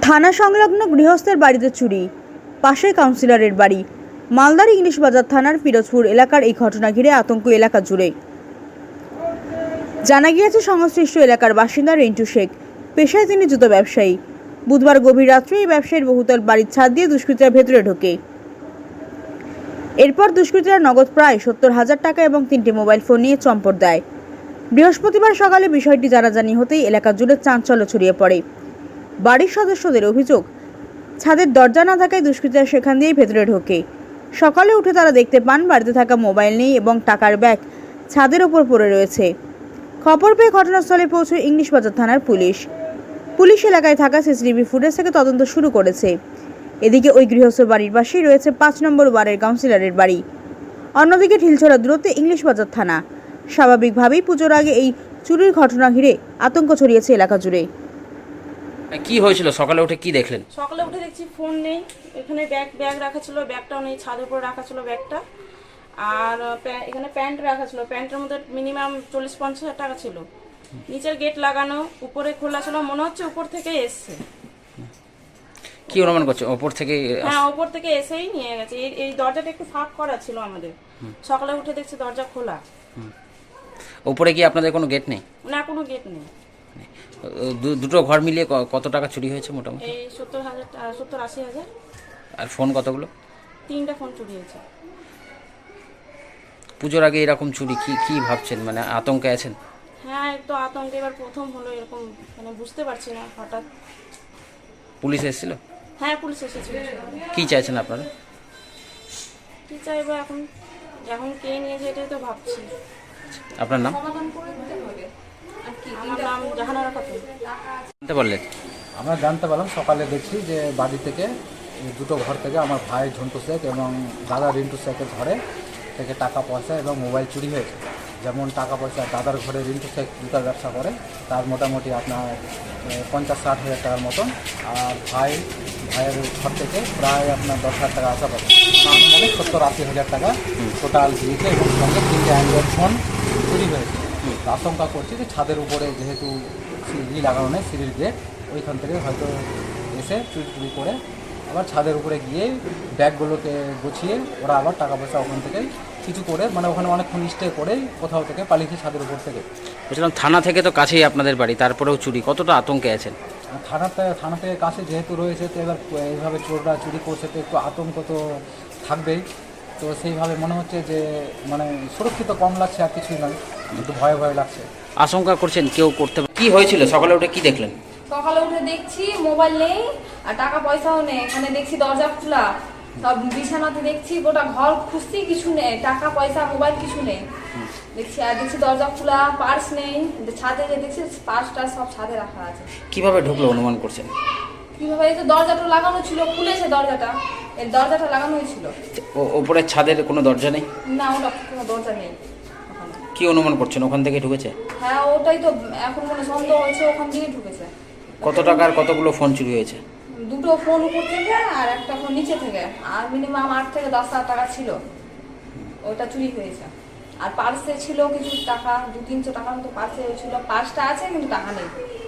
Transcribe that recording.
থানা সংলগ্ন গৃহস্থের বাড়িতে চুরি, পাশের কাউন্সিলরের বাড়ি। মালদার ইংলিশ বাজার থানার পিরোজপুর এলাকার এই ঘটনা ঘিরে আতঙ্ক এলাকা জুড়ে। জানা গিয়েছে, সংশ্লিষ্ট এলাকার বাসিন্দা রিন্টু শেখ, পেশায় তিনি জুতো ব্যবসায়ী। বুধবার গভীর রাত্রে এই ব্যবসায়ীর বহুতল বাড়ির ছাদ দিয়ে দুষ্কৃতীরা ভেতরে ঢোকে। এরপর দুষ্কৃতীরা নগদ প্রায় 70,000 টাকা এবং 3টি মোবাইল ফোন নিয়ে চম্পট দেয়। বৃহস্পতিবার সকালে বিষয়টি জানাজানি হতেই এলাকা জুড়ে চাঞ্চল্য ছড়িয়ে পড়ে। বাড়ির সদস্যদের অভিযোগ, ছাদের দরজা না থাকায় দুষ্কৃতীরা সেখান দিয়েই ভেতরে ঢোকে। সকালে উঠে তারা দেখতে পান বাড়িতে থাকা মোবাইল নেই এবং টাকার ব্যাগ ছাদের ওপর পড়ে রয়েছে। খবর পেয়ে ঘটনাস্থলে পৌঁছে ইংলিশ বাজার থানার পুলিশ এলাকায় থাকা সিসিটিভি ফুটেজ থেকে তদন্ত শুরু করেছে। এদিকে ওই গৃহস্থ বাড়ির পাশেই রয়েছে 5 নম্বর ওয়ার্ডের কাউন্সিলরের বাড়ি। অন্যদিকে ঢিলছড়া দূরত্বে ইংলিশ বাজার থানা। স্বাভাবিকভাবেই পুজোর আগে এই চুরির ঘটনা ঘিরে আতঙ্ক ছড়িয়েছে এলাকা জুড়ে। কি হয়েছিল? সকালে উঠে কি দেখলেন? সকালে উঠে দেখছি ফোন নেই, এখানে ব্যাগ রাখা ছিল, ব্যাগটাও নেই, ছাদের উপর রাখা ছিল ব্যাগটা। আর এখানে প্যান্ট রাখা ছিল, প্যান্টের মধ্যে মিনিমাম 40-50 হাজার টাকা ছিল। নিচের গেট লাগানো, উপরে খোলা ছিল, মনে হচ্ছে উপর থেকে এসছে। কি অনুমান করছে? উপর থেকে? হ্যাঁ, উপর থেকে এসেই নিয়ে গেছে। এই দরজাটা একটু ফাঁক করা ছিল আমাদের। সকালে উঠে দেখছি দরজা খোলা। উপরে কি আপনাদের কোনো গেট নেই? না, কোনো গেট নেই। দুটো ঘর মিলিয়ে কত টাকা চুরি হয়েছে মোটামুটি? এই 70-80 হাজার। আর ফোন কতগুলো? 3টা ফোন চুরি হয়েছে। পুজোর আগে এরকম চুরি, কি ভাবছেন? মানে আতঙ্কে আছেন? হ্যাঁ, একটু আতঙ্কে। এবার প্রথম হলো এরকম, মানে বুঝতে পারছি না হঠাৎ। পুলিশ এসেছিল? হ্যাঁ, পুলিশ এসেছিল। কি চাইছেন আপনারা? কি চাইবো এখন কে নিয়েছে এটাই তো ভাবছি। আপনার নাম? আমার নাম জাহানারা খাতুন। জানতে পারলেন? আমরা জানতে পারলাম সকালে দেখছি যে বাড়ি থেকে দুটো ঘর থেকে আমার ভাই ঝন্টু শেখ এবং দাদা রিন্টু শেখের ঘরে থেকে টাকা পয়সা এবং মোবাইল চুরি হয়েছে। যেমন টাকা পয়সা, দাদার ঘরে রিন্টু শেখ জুতার ব্যবসা করে, তার মোটামুটি আপনার 50-60 হাজার টাকার মতন। আর ভাইয়ের ঘর থেকে প্রায় আপনার 10,000 টাকা আশাপাশি, মানে 70-80 হাজার টাকা টোটাল দিয়েছে এবং সঙ্গে 3টে অ্যান্ড্রয়েড ফোন চুরি হয়েছে। আশঙ্কা করছি যে ছাদের উপরে যেহেতু সিঁড়ি লাগানো নেই, সিঁড়ির গেট, ওইখান থেকে হয়তো এসে চুরি করে আবার ছাদের উপরে গিয়ে ব্যাগগুলোকে গুছিয়ে ওরা আবার টাকা পয়সা ওখান থেকে কিছু করে, মানে ওখানে অনেকক্ষণ স্টে করে কোথাও থেকে পালিয়েছে ছাদের উপর থেকে। বলছিলাম, থানা থেকে তো কাছেই আপনাদের বাড়ি, তারপরেও চুরি, কতটা আতঙ্কে আছেন? থানা থেকে কাছে যেহেতু রয়েছে, তো এবার এইভাবে চোররা চুরি করছে, তো একটু আতঙ্ক তো থাকবেই। তো সেইভাবে মনে হচ্ছে যে মানে সুরক্ষিত কম লাগছে, আর কিছুই নয়, একটু ভয় লাগছে। আশঙ্কা করছেন কেউ করতে? কি হয়েছিল সকালে উঠে কি দেখলেন? সকালে উঠে দেখছি মোবাইল নেই আর টাকা পয়সাও নেই। এখানে দেখছি দরজা খোলা, সব বিছানাতে দেখছি, গোটা ঘর খুঁজছি, কিছু নেই, টাকা পয়সা মোবাইল কিছু নেই। দেখছি দরজা খোলা, পার্স নেই। ছাদে যে দেখছি পার্সটা সব ছাদে রাখা আছে। কিভাবে ঢুকলো অনুমান করছেন? কিভাবে? এই তো দরজাটা লাগানো ছিল, খুলেছে দরজাটা, এই দরজাটা লাগানোই ছিল। ওপরের ছাদের কোনো দরজা নেই? না, ওটা কোনো দরজা নেই। কি অনুমান করছেন? ওখান থেকে ঢুকেছে? হ্যাঁ, ওটাই তো এখন মনে সন্দেহ হয়েছে, ওখান দিয়ে ঢুকেছে। কত টাকার কতগুলো ফোন চুরি হয়েছে? দুটো ফোন উপর থেকে আর একটা ফোন নিচে থেকে, আর মিনিমাম 8 থেকে 10 হাজার টাকা ছিল, ওইটা চুরি হয়েছে। আর পার্সে ছিল কিছু টাকা, 200-300 টাকার মতো পার্সে ছিল। পার্সটা আছে কিন্তু টাকা নেই।